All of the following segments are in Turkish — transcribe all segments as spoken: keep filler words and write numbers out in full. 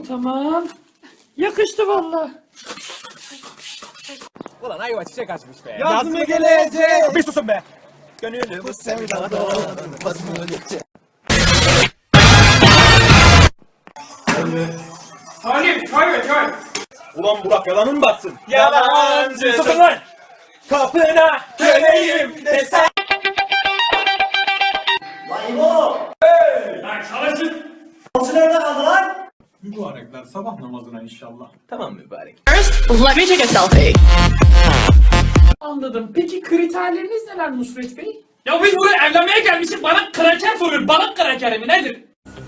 Bu tamam. Yakıştı valla. Ulan ayva çiçek açmış be. Yaz mı gelecek? Bir susun be. Gönülü bu sevdada basmıyor geçecek. Salim çay çay. Ulan Burak yalanın batsın. Yalancı. Susun lan. Kapına köleyim desen. Lan çalışın. Altı nerede kaldı lan? Mübarekler sabah namazına inşallah. Tamam mübarek. First, let me take a selfie. Anladım. Peki kriterleriniz neler Nusret Bey? Ya biz buraya evlenmeye gelmişiz. Bana kraker soruyor. Balık krakeri mi nedir?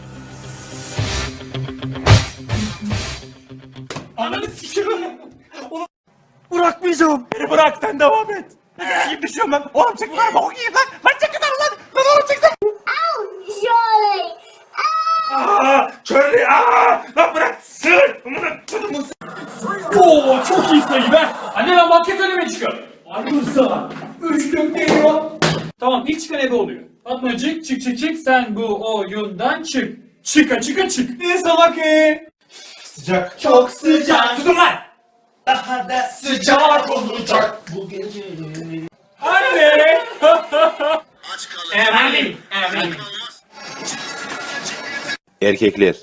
Ananı sikiyorum. Bırakmayacağım. Beni bırak sen devam et. Yiyip düşüyorum lan. Oğlum çek lan. Bok yiyeyim lan. Lan çek lan lan. Lan oğlum çek lan. Surely. Aaa. Çörlü. Aaa. Lan bırak. Sır. Amına kodumun sır. Oo çok iyi sayı be. Anne ben basket önüme çıkıyorum. Ayrılsa. Üçlük geliyor. Tamam ilk çıkan ebe oluyor. Fatmacık çık çık çık sen bu oyundan çık. Çıka çıka çık. Ne salak e? Sıcak. Çok sıcak. Tutun lan. Daha da sıcak olacak bu gece. Anne. Emin. Emin. Erkekler.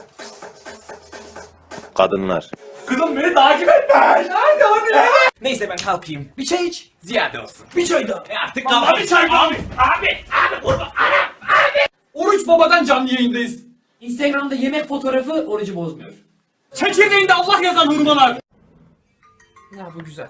Kadınlar. Kızım beni takip etme. Hadi hadi. Neyse ben kalkayım. Bir çay iç. Ziyade olsun. Bir çay daha. E artık Vallahi kalk. bir çay abi. Abi. Abi kurban. Abi. Abi. Oruç Baba'dan canlı yayındayız. Instagram'da yemek fotoğrafı orucu bozmuyor. Çekirdeğinde Allah yazan hurmalar. Ya bu güzel.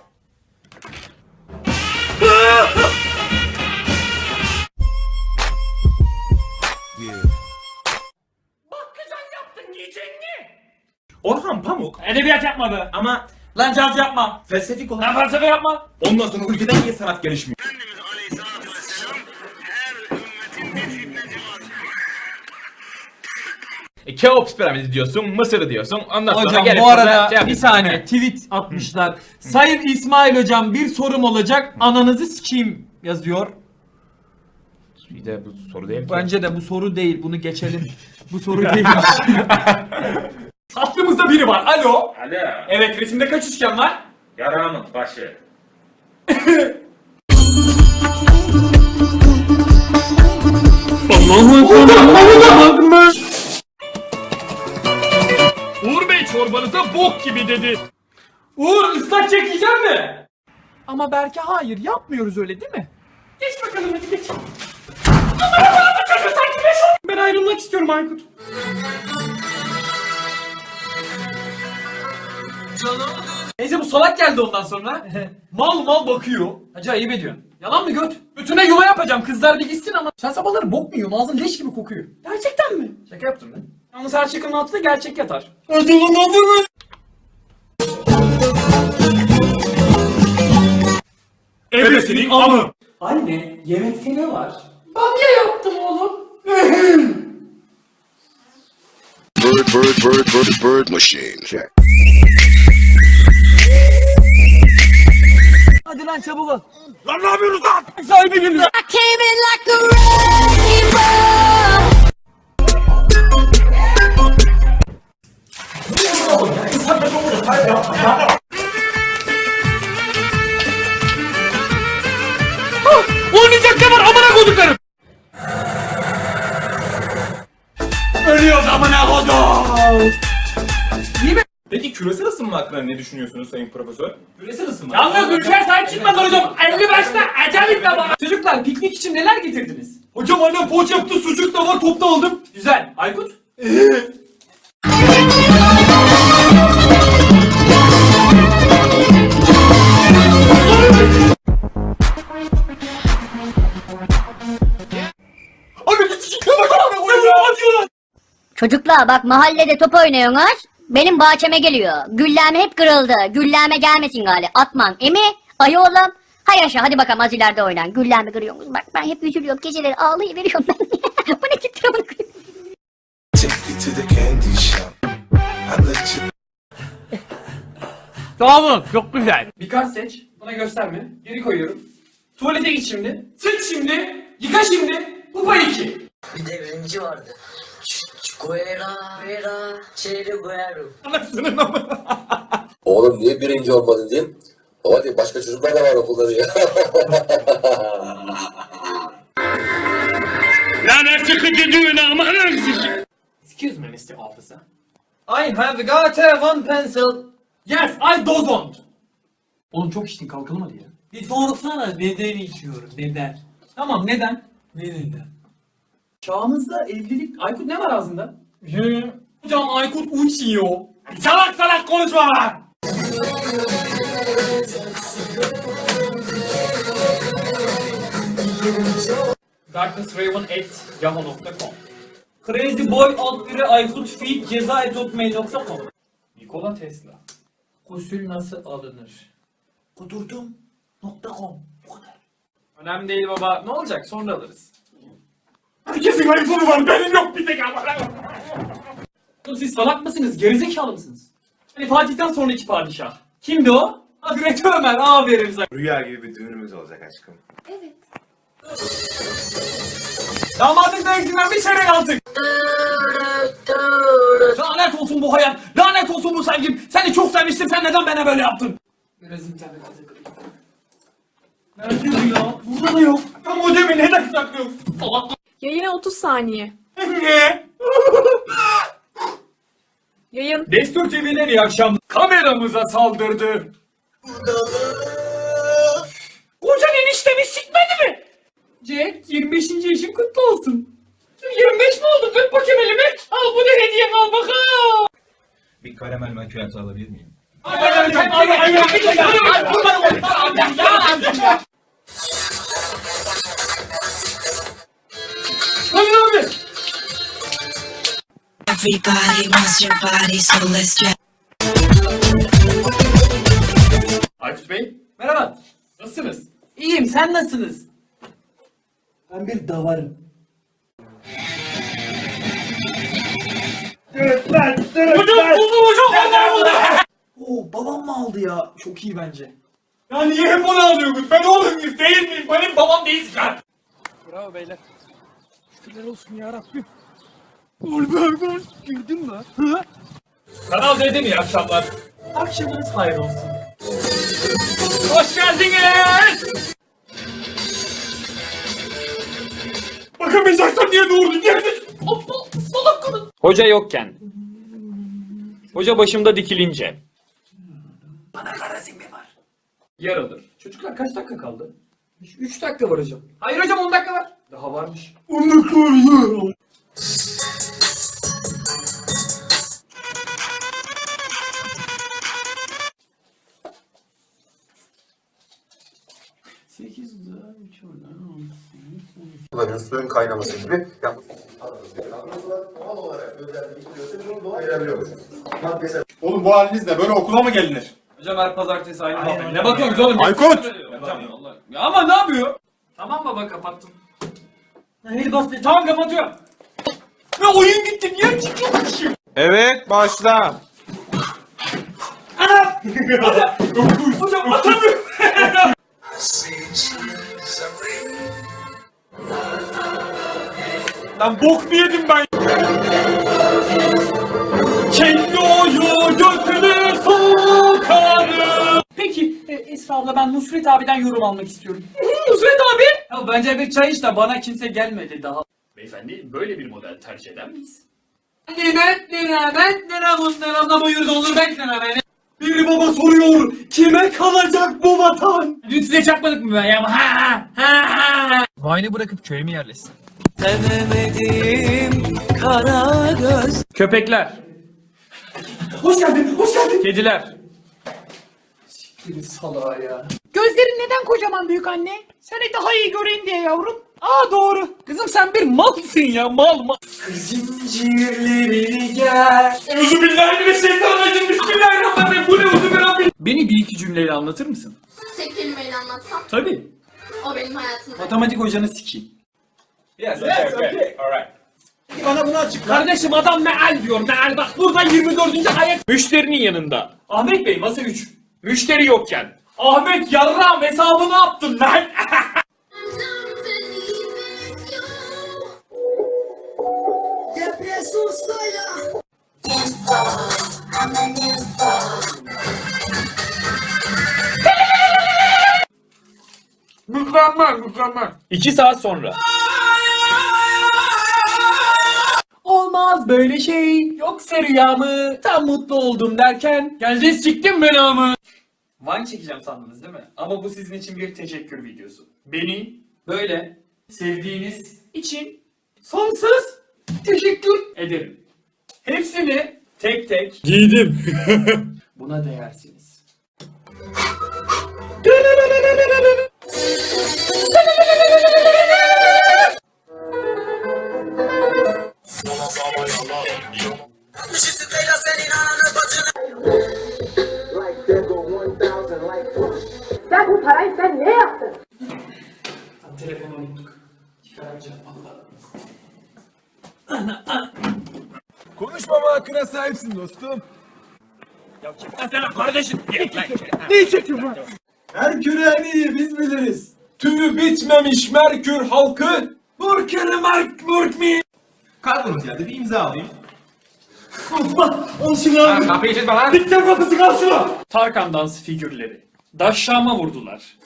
Bakkacan yaptın yiyecek mi? Orhan Pamuk. Edebiyat yapmadı. Ama Lan caz yapma. felsefik olan. Lan felsefe yapma. Ondan sonra ülkeden niye sanat gelişmiyor? E, Keops piramidi diyorsun, Mısır diyorsun. Ondan sonra Hocam gelip bu burada arada şey bir yapıyorsun. saniye tweet atmışlar. Sayın İsmail hocam bir sorum olacak. Ananızı sikeyim yazıyor. Bir de bu soru değil ki. Bence de bu soru değil. Bunu geçelim. Bu soru değil. Aklımızda biri var. Alo. Alo. Evet resimde kaç üçgen var? Yaramın başı. Uğur Bey çorbanıza bok gibi dedi. Uğur ıslak çekeceğim mi? Ama belki hayır yapmıyoruz öyle değil mi? Geç bakalım hadi geç. Amına koyayım bu çocuğu sanki beş on. Ben ayrılmak istiyorum Aykut. Neyse bu salak geldi ondan sonra. mal mal bakıyor. Hacı ayıp ediyorsun. Yalan mı göt? Bütüne yuva yapacağım kızlar bir gitsin ama. Sen sabahları bok mu yiyorsun? Ağzın leş gibi kokuyor. Gerçekten mi? Şaka yaptım ben. Yalnız her şakanın altında gerçek yatar. Ebesinin amı. Anne yemekte ne var? Bamya yaptım oğlum. Bird, bird, bird, bird, bird machine. Check. Hadi lan çabuk ol. Lan ne yapıyorsunuz lan? Sahibi geliyor. I came in like a rainbow. Oynayacak ne var amına koduklarım. Ölüyoruz amına kodum. Peki küresel ısınma hakkında ne düşünüyorsunuz sayın profesör? Küresel ısınma. Yalnız ülkeye sahip çıkmadan hocam. elli başta acayip bir bana. Çocuklar piknik için neler getirdiniz? Hocam annem poğaça yaptı, sucuk da var, top da aldım. Güzel. Aykut? Çocuklar bak mahallede top oynuyorsunuz. Benim bahçeme geliyor. Gülleme hep kırıldı. Gülleme gelmesin gali. Atman. Emi? Ayı oğlum. Hay yaşa hadi bakalım az ileride oynan. Gülleme kırıyorsunuz. Bak ben hep üzülüyorum. Geceleri ağlayıveriyorum ben. Bu ne titre bunu kırıyor. Tamam çok güzel. Bir kart seç. Bana gösterme. Geri koyuyorum. Tuvalete git şimdi. Sıç şimdi. Yıka şimdi. Bu pay iki. Bir de öncü vardı. Ç- Oğlum niye birinci olmadın diyeyim. Baba diyor başka çocuklar da var okulda diyor. Excuse me mister Officer. I have got a one pencil. Yes, I don't. Oğlum çok içtin kalkalım hadi ya. Bir sorsana neden içiyorum neden? Tamam neden? Ne neden? Çağımızda evlilik... Aykut ne var ağzında? Hocam Aykut uçuyor. Salak salak konuşma lan! darknessraven at yahoo nokta com Crazyboy alt biri Aykut feed ceza et hotmail nokta com Nikola Tesla. Gusül nasıl alınır? Kudurdum nokta com. Bu kadar. Önemli değil baba. Ne olacak? Sonra alırız. Herkesin iPhone'u var. Benim yok bir tek ama. Siz salak mısınız? Gerizekalı mısınız? Hani Fatih'ten sonraki padişah. Kimdi o? Hazreti Ömer. Aferin sana. Rüya gibi bir düğünümüz olacak aşkım. Damadın dövüşünden bir çeyrek aldık. Lanet olsun bu hayat. Lanet olsun bu sevgim. Seni çok sevmiştim. Sen neden bana böyle yaptın? Biraz internete takılayım. Nerede ya? Burada da yok. Ya modemi neden saklıyorsun? Salak. Yayına otuz saniye. Ne? Yayın. Destur T V'den iyi akşam. Kameramıza saldırdı. Kocan eniştemi sikmedi mi? Jack yirmi beşinci yaşın kutlu olsun. yirmi beş mi oldu? Öp bakayım elimi. Al bu da hediyem al bakalım. Bir karamel macchiato alabilir miyim? Everybody wants your body, so let's try. Aykut Bey, merhaba. Nasılsınız? İyiyim, sen nasılsınız? Ben bir davarım. Hocam buldum hocam, vallahi buldum. Oo, babam mı aldı ya? Çok iyi bence. Ya niye hep onu alıyorsunuz? Ben oğlum muyuz, değil miyim? Benim babam değilsin lan. Bravo beyler. Şükürler olsun ya Rabbim. Oğlum girdin mi? Kanal D'den iyi akşamlar. Akşamınız hayır olsun. Hoş geldiniz. Bakamayacaksan niye doğurdun? Niye aptal salak kadın. Hoca yokken. Hoca başımda dikilince. Bana garazin mi var? Yarılır. Çocuklar kaç dakika kaldı? üç dakika var hocam. Hayır hocam on dakika var. Daha varmış. on dakika var ya. sekiz daha üç oradan Bunların suyun kaynaması gibi. Yani... Oğlum bu halinizle böyle okula mı gelinir? Hocam her pazartesi aynı muhabbet. Ne bakıyorsunuz oğlum? Aykut! Hocam Allah. Ya ama ne yapıyor? Tamam baba kapattım. Hayır bastı. Tamam kapatıyorum. Ne oyun gitti. Niye çıkıyormuşum? Evet başla. Ana! Hocam atamıyorum. Lan bok mu yedim ben? Kendi oyu götünü sokarım. Peki e, Esra abla ben Nusret abiden yorum almak istiyorum. Nusret abi? Ya bence bir çay iç de bana kimse gelmedi daha. Beyefendi böyle bir model tercih eder miyiz? Nimet nimet nere bunlar anlamıyoruz olur bekleme beni. Bir baba soruyor kime kalacak bu vatan? Dün size çakmadık mı ben ya? Ha ha ha. Vine'ı bırakıp köye mi yerleşsin? Sevemedim kara göz. Köpekler. Hoş geldin, hoş geldin. Kediler. Siktir salağa ya. Gözlerin neden kocaman büyük anne? Seni daha iyi göreyim diye yavrum. Aa doğru. Kızım sen bir malsın ya mal mal. Zincirlerini gel. Euzubillahimineşşeytanirracim. Bismillahirrahmanirrahim. Bu ne uzun Beni bir iki cümleyle anlatır mısın? Tek kelimeyle anlatsam Tabii. o benim hayatımda. Matematik hocanı sikeyim. Yes, okay, okay. Alright. Bana bunu açıkla. Kardeşim adam meal diyor meal. Bak burada yirmi dördüncü ayet. Müşterinin yanında. Ahmet Bey masa üç. Müşteri yokken. Ahmet yarram hesabı ne yaptın lan? Mükemmel mükemmel. İki saat sonra. Olmaz böyle şey. Yoksa rüya mı? Tam mutlu oldum derken. Geldi siktim belamı. Vine çekeceğim sandınız değil mi? Ama bu sizin için bir teşekkür videosu. Beni böyle sevdiğiniz için sonsuz teşekkür ederim. Hepsini tek tek Giydim. buna değersiniz. Ya bu parayı sen ne yaptın? Telefonu unuttuk. Çıkaramayacağım valla. Konuşmama hakkına sahipsin dostum. Merkür en iyi biz biliriz. Tüyü bitmemiş Merkür halkı. Murkürü Merk Murk mi? Karbon ziyade bir imza alayım. Osman al şunu abi. Kapıyı çizme lan. Dikten kapısı kal şunu. Tarkan dans figürleri. Daşşama vurdular.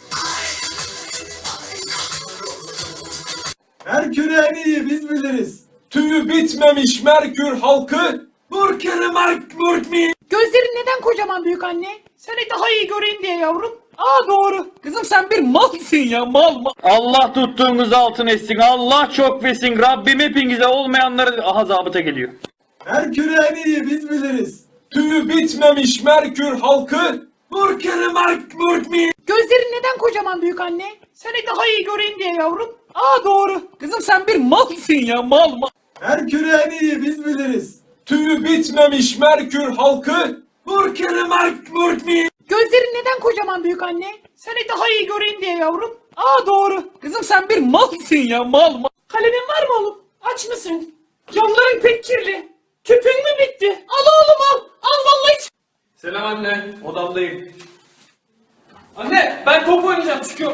Merkür en iyi biz biliriz. Tüyü bitmemiş Merkür halkı. Murkürü Merk Murk mi? Gözlerin neden kocaman büyük anne? Seni daha iyi göreyim diye yavrum. Aa doğru. Kızım sen bir malsın ya mal mal. Allah tuttuğunuz altın etsin. Allah çok versin. Rabbim hepinize olmayanları aha zabıta geliyor. Merkür en iyi biz biliriz. Tüyü bitmemiş Merkür halkı. Murkürü Merk Murk mi? Gözlerin neden kocaman büyük anne? Seni daha iyi göreyim diye yavrum. Aa doğru. Kızım sen bir malsın ya mal mal. Merkür en iyi biz biliriz. Tüyü bitmemiş Merkür halkı. Murkürü Merk Murk mi? Gözlerin neden kocaman büyük anne? Seni daha iyi göreyim diye yavrum. Aa doğru. Kızım sen bir malsın ya mal mal. Kalemin var mı oğlum? Aç mısın? Camların pek kirli. Tüpün mü bitti? Al oğlum al. Al vallahi. Selam anne. Odamdayım. Anne ben top oynayacağım çıkıyorum.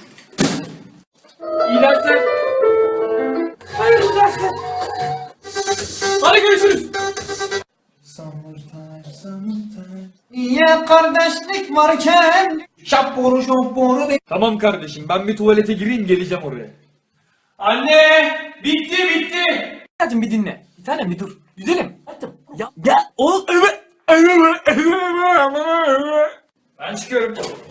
İyi dersler. Hayırlı dersler. Hadi görüşürüz. Niye kardeşlik varken şapboru şapboru be. Tamam kardeşim ben bir tuvalete gireyim geleceğim oraya. Anne bitti bitti. Hadi bir dinle. Bir tanem bir dur. Güzelim. Hadi. Ya ya o evet. Ben çıkıyorum.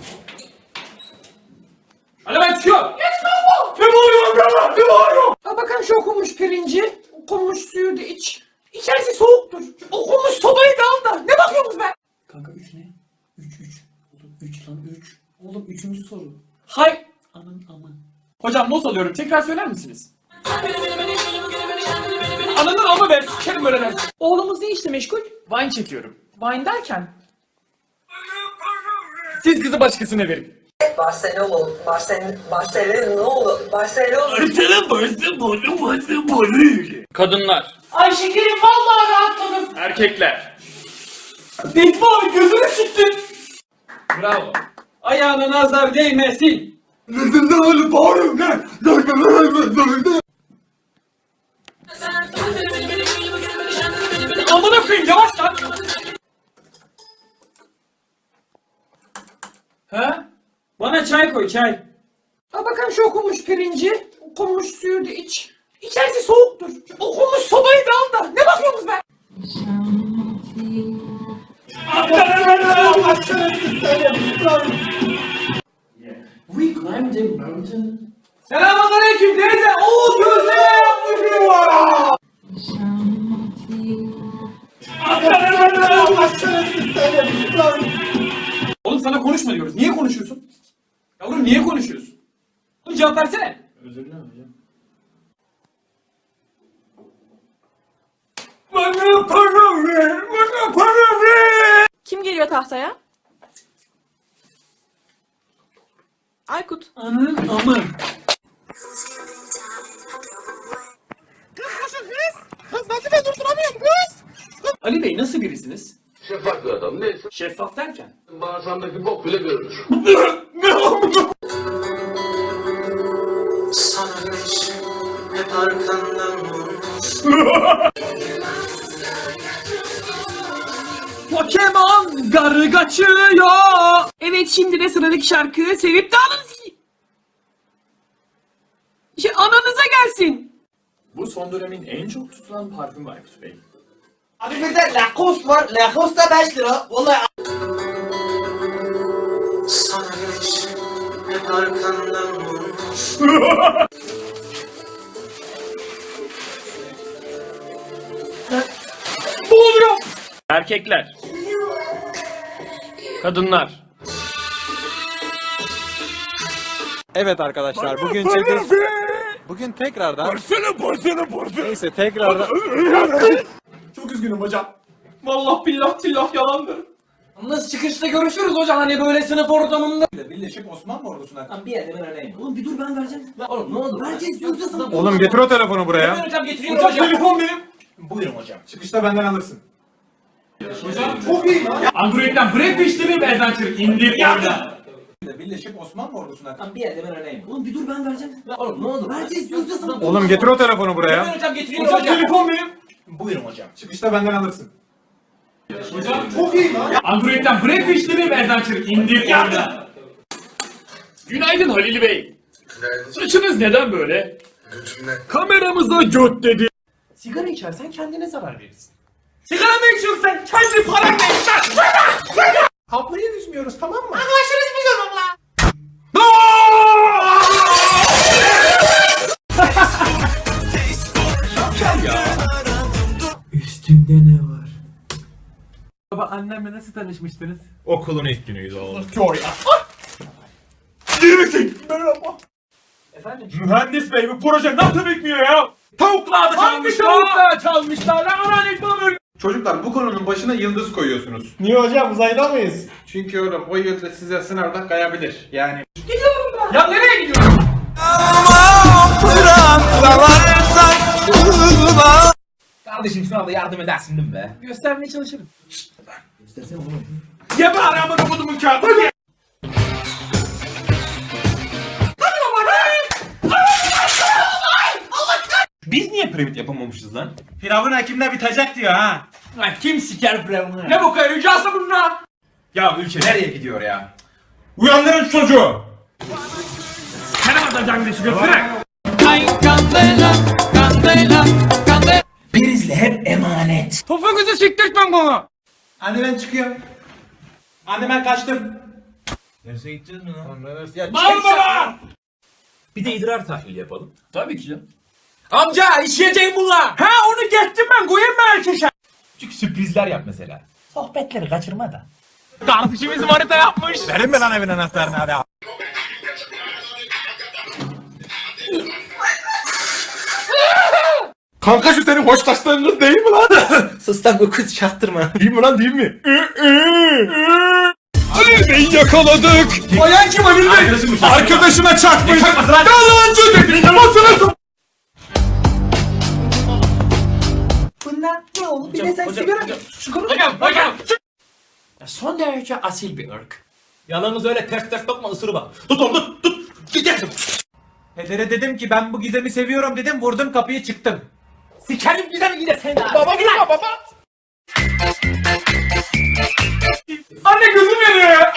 Hadi ben çıkıyorum. Geç kalma. Ne bağırıyorsun bana? Ne bağırıyorsun? Al bakalım şu okunmuş pirinci. Okunmuş suyu da iç. İçerisi soğuktur. Şu okunmuş sobayı da al da. Ne bakıyorsunuz be? Kanka üç ne? üç üç. Oğlum üç lan üç. Oğlum üçüncü soru. Hay. Aman aman. Hocam not alıyorum. Tekrar söyler misiniz? Ananın amı be. Sikerim böyle ders. Oğlumuz ne işle meşgul? Vine çekiyorum. Vine derken? Siz kızı başkasına verin. Barcelona, Barcelona, Barcelona, Barcelona. Kadınlar. Ay şekerim vallahi rahatladım. Erkekler. Bekma gözünü siktin. Bravo. Ayağına nazar değmesin. Amına koyayım yavaş lan. Ha? Bana çay koy çay. Al bakalım şu okunmuş pirinci. Okunmuş suyu da iç. İçerisi soğuktur. Şu okunmuş sobayı da al da. Ne bakıyorsunuz be? We climbed a mountain. Selamünaleyküm teyze. Oo gözleme yapmışım var. Oğlum sana konuşma diyoruz. Niye konuşuyorsun? Yavrum niye konuşuyorsun? Oğlum cevap versene. Özür dilerim hocam. Bana para ver. Bana para ver. Kim geliyor tahtaya? Aykut. Anın amı. Ali Bey nasıl birisiniz? Şeffaf bir adam neyse. Şeffaf derken? Bağırsağındaki bok bile görülür. Sana hep arkandan vurmuş. Sarı kaçıyor. Evet, şimdi de sıradaki şarkı sevip de alınız. Şey, ananıza gelsin. Bu son dönemin en çok tutulan parfümü Aykut Bey. Abi bir de Lacoste var. Lacoste da beş lira. Vallahi Erkekler. Kadınlar. Evet arkadaşlar bugün çekil... Bugün tekrardan... Porsana porsana porsana. Neyse tekrardan... Çok üzgünüm hocam. Vallahi billah tillah yalandır. Nasıl çıkışta görüşürüz hocam hani böyle sınıf ortamında. Birleşik Osmanlı ordusuna... Oğlum getir o telefonu buraya. Hocam getiriyorum hocam. Telefon benim. Buyurun hocam. Çıkışta benden alırsın. Android'den Breakfast mi Adventure indir orada. Birleşik Osmanlı ordusuna... Oğlum getir o telefonu buraya. Hocam getiriyorum hocam. Telefon benim. Buyurun hocam. Çıkışta benden alırsın. Android'den Breakfast mi Adventure indir orada. Günaydın Halil Bey. Saçınız neden böyle? Götümle. Kameramıza göt dedi. sigara içersen kendine zarar verirsin. Sigara mı içiyorsun sen? Kendi paranla içsen. Kapıyı düzmüyoruz, tamam mı? Üstünde ne var? Baba annemle nasıl tanışmıştınız? Okulun ilk günüydü oğlum. Mühendis bey bu proje nasıl bitmiyor ya? Tavuklar da Hangi tavuklar çalmışlar lan? Aman ekmeğim. Çocuklar bu konunun başına yıldız koyuyorsunuz. Niye hocam uzayda mıyız? Çünkü oğlum o yıldız size sınavda kayabilir. Yani... Ya nereye gidiyorsun? Kardeşim sınavda yardım edersin değil mi be? Göstermeye çalışırım. Ye bari amına kodumun kağıdı. Biz niye piramit yapamamışız lan? Firavun hakimle bitecek diyor ha. Lan kim siker Firavun'u? Ne bu kadar ricası bununla? Ya ülke nereye gidiyor ya? Uyandırın çocuğu. Sen atacaksın deşi götüre. Prizle hep emanet. Topuğunuzu siktirtmem bana. Anne ben çıkıyorum. Anne ben kaçtım. Derse gideceğiz mi lan? Ya Mal baba! Bir de idrar tahlili yapalım. Tabii ki canım. Amca işleyeceğim bunlar. Ha onu geçtim ben koyayım mı erkeşe? Küçük sürprizler yap mesela. Sohbetleri kaçırma da. Kardeşimiz manita yapmış. Verin mi lan evin anahtarını hadi. Kanka şu senin hoştaşlarınız değil mi lan? Sus lan, bu kız çaktırma. Değil mi lan değil mi? Ali Bey'i yakaladık. Bayan kim Halil Bey? Arkadaşına çakmış. Yalancı dedi. Masana Bunlar ne oldu? Bir de sen sigara... Hocam hocam. Son derece asil bir ırk. Yalanınız öyle ters ters bakma ısırı bak. Tut onu tut tut. Gidersin. Pedere dedim ki ben bu gizemi seviyorum dedim vurdum kapıyı çıktım. Sikerim güzel yine sen. Baba gülme baba. Anne gözüm yanıyor ya.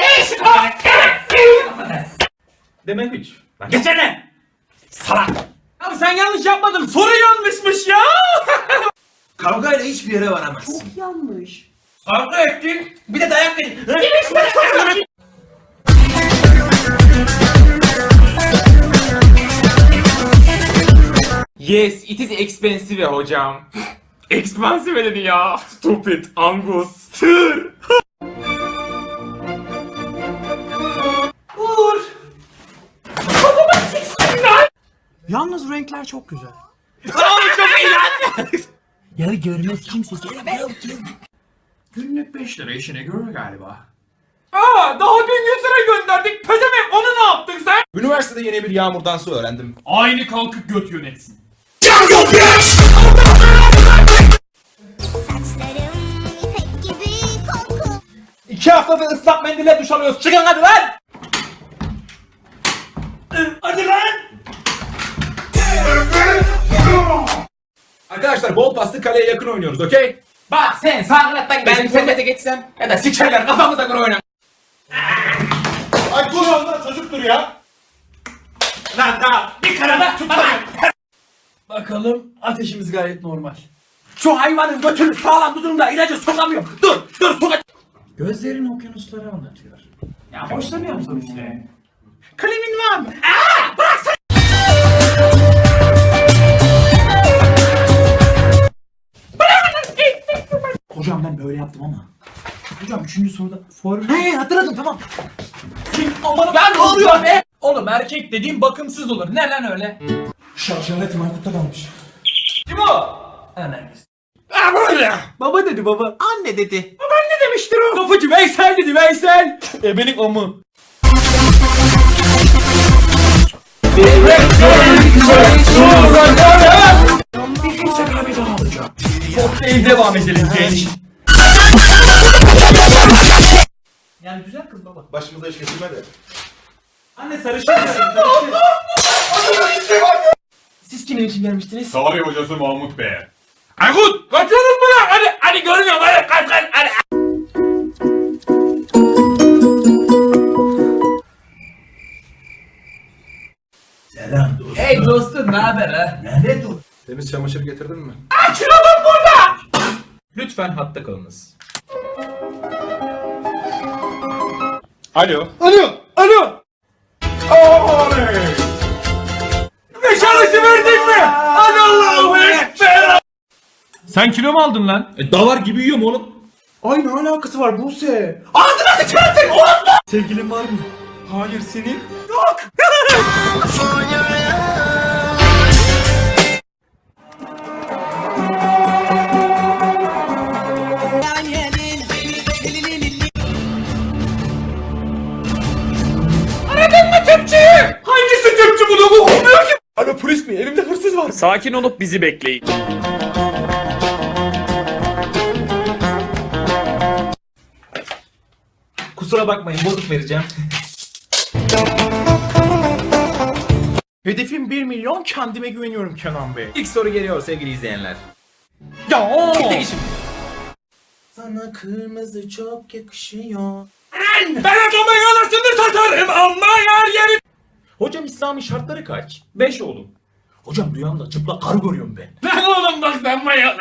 Demek hiç. Lan geçene. Salak. Abi sen yanlış yapmadın. Soru yanlışmış ya. Kavgayla hiçbir yere varamazsın. Çok yanlış. Kavga ettin. Bir de dayak verin. Yes, it is expensive hocam. Expensive dedi ya. Stupid, Angus. Tır. Vur. Yalnız renkler çok güzel. Abi çok iyi lan. Ya görmez kimse. Günlük beş lira işine görür galiba. Aa, daha dün yüz lira gönderdik. Pezemek onu ne yaptın sen? Üniversitede yeni bir yağmur dansı öğrendim. Aynı kalkıp göt yönetsin. İki haftada ıslak mendille duş alıyoruz. Çıkın hadi lan. Hadi lan. Arkadaşlar bol paslı kaleye yakın oynuyoruz okey? Bak sen sağlıktan ben internete geçsem ya da sikerler kafamıza göre oynar. Ay dur lan çocuktur ya. Lan daha bir karada tutmayın. Bakalım ateşimiz gayet normal. Şu hayvanın götünü sağlam tutun da ilacı sokamıyorum. Dur dur soka. Gözlerin okyanusları anlatıyor. Ya hoşlanıyor musun işte? Klimin var mı? Hocam ben böyle yaptım ama. Hocam üçüncü soruda form... He hatırladım tamam. Aman ben ne oluyor be? Oğlum erkek dediğim bakımsız olur. Ne lan öyle? Şarjaletim Aykut'ta kalmış. Kim o? Anneannesi. Baba dedi baba. Anne dedi. Ne demiştir o? Kapıcı Veysel dedi Veysel. Ebenin amı. Kokteyl devam edelim genç. Yani güzel kız baba. Başımıza iş getirme de. Anne sarışın. Siz kimin için gelmiştiniz? Tarih hocası Mahmut Bey. Aykut! Kaçalım mı lan? Hadi, hadi görmüyorum hadi kaç kaç hadi. Selam dostum. Hey dostum ne haber ha? Nerede dur? Temiz çamaşır getirdin mi? Lütfen hatta kalınız. Alo. Alo. Alo. Oley. Nişanlısı verdin mi? Hadi Allahu Ekber. Sen kilo mu aldın lan? E, davar gibi yiyorum oğlum. Ay ne alakası var Buse? Ağzına sıçarsın oğlum. Sevgilin var mı? Hayır senin. Hangisi Türkçü bunu bu okumuyor ki? Alo polis mi? Elimde hırsız var. Sakin olup bizi bekleyin. Kusura bakmayın bozuk vereceğim. Hedefim bir milyon, kendime güveniyorum Kenan Bey. İlk soru geliyor sevgili izleyenler. Ya. Gittik işim. Sana kırmızı çok yakışıyor. Ben adamın yalasını satarım ama yer yeri. Hocam İslami şartları kaç? Beş oğlum. Hocam rüyamda çıplak karı görüyorum ben. Lan oğlum bak sen bayağı.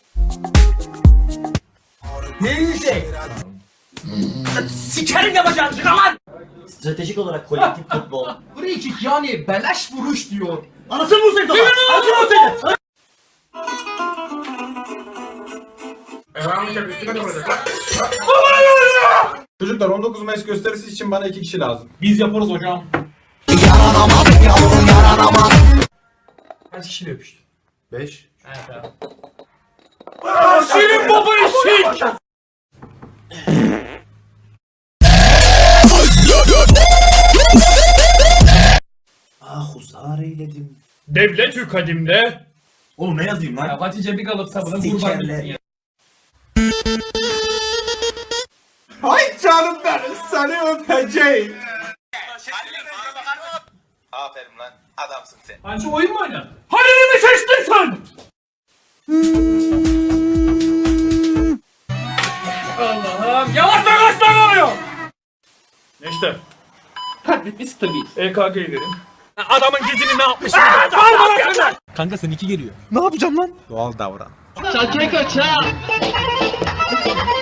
Ne yiyecek? Sikerim yapacağım çık lan! Stratejik olarak kolektif futbol. Free kick yani beleş vuruş diyor. Anasını vursaydın ama. Anasını vursaydın. Çocuklar on dokuz Mayıs gösterisi için bana iki kişi lazım. Biz yaparız hocam. Kaç kişiyle öpüştün? Beş. Senin baba eşek! Ah huzar eyledim. Devlet-ü kadimde. Oğlum ne yazayım lan? Ya Hatice bir kalıp sabına kurban Sikerler. gitsin ya. Ay canım benim seni öpeceğim. Aferin lan. Adamsın sen. Anca oyun mu oynadın? Halil'i mi seçtin sen? Allah'ım yavaş lan kaç tane oluyor? İşte. Hadi biz tabii. E K G'yi verin. Adamın dizini ne yapmış? Kanka sen iki geliyor. Ne yapacağım lan? Doğal davran. Çakeka çak.